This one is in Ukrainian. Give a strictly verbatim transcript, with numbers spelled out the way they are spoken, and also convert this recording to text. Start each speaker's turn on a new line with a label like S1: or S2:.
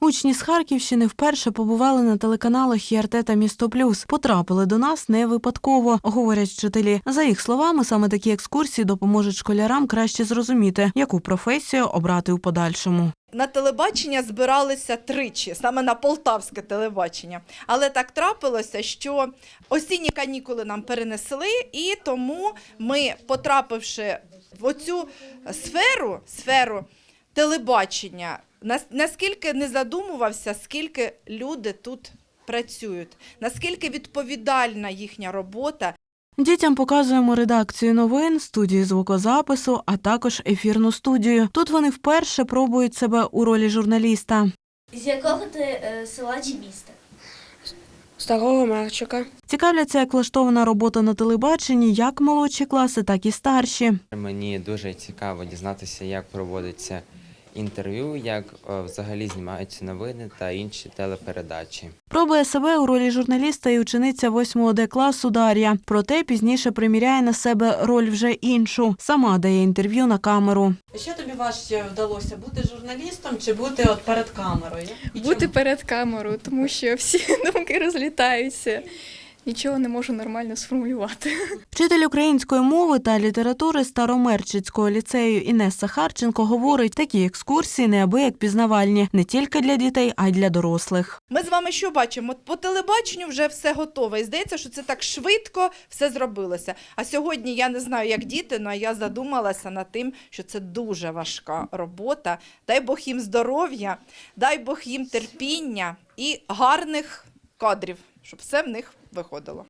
S1: Учні з Харківщини вперше побували на телеканалах ІРТ та «Місто Плюс». Потрапили до нас не випадково, говорять вчителі. За їх словами, саме такі екскурсії допоможуть школярам краще зрозуміти, яку професію обрати у подальшому.
S2: На телебачення збиралися тричі, саме на полтавське телебачення. Але так трапилося, що осінні канікули нам перенесли, і тому ми, потрапивши в оцю сферу, сферу телебачення, наскільки не задумувався, скільки люди тут працюють, наскільки відповідальна їхня робота.
S1: Дітям показуємо редакцію новин, студію звукозапису, а також ефірну студію. Тут вони вперше пробують себе у ролі журналіста.
S3: З якого ти е, села чи міста?
S4: Старого Мерчика.
S1: Цікавляться, як влаштована робота на телебаченні як молодші класи, так і старші.
S5: Мені дуже цікаво дізнатися, як проводиться інтерв'ю, як взагалі знімаються новини та інші телепередачі.
S1: Пробує себе у ролі журналіста і учениця восьмого Д класу Дар'я. Проте пізніше приміряє на себе роль вже іншу. Сама дає інтерв'ю на камеру.
S6: Що тобі важче вдалося, бути журналістом чи бути от перед камерою? І
S7: Бути
S6: чому?
S7: перед камерою, тому що всі думки розлітаються. Нічого не можу нормально сформулювати.
S1: Вчитель української мови та літератури Старомерчицького ліцею Інеса Харченко говорить, такі екскурсії неабияк пізнавальні не тільки для дітей, а й для дорослих.
S2: Ми з вами що бачимо? По телебаченню вже все готове. І здається, що це так швидко все зробилося. А сьогодні я не знаю, як діти, але я задумалася над тим, що це дуже важка робота. Дай Бог їм здоров'я, дай Бог їм терпіння і гарних кадрів, щоб все в них виходило.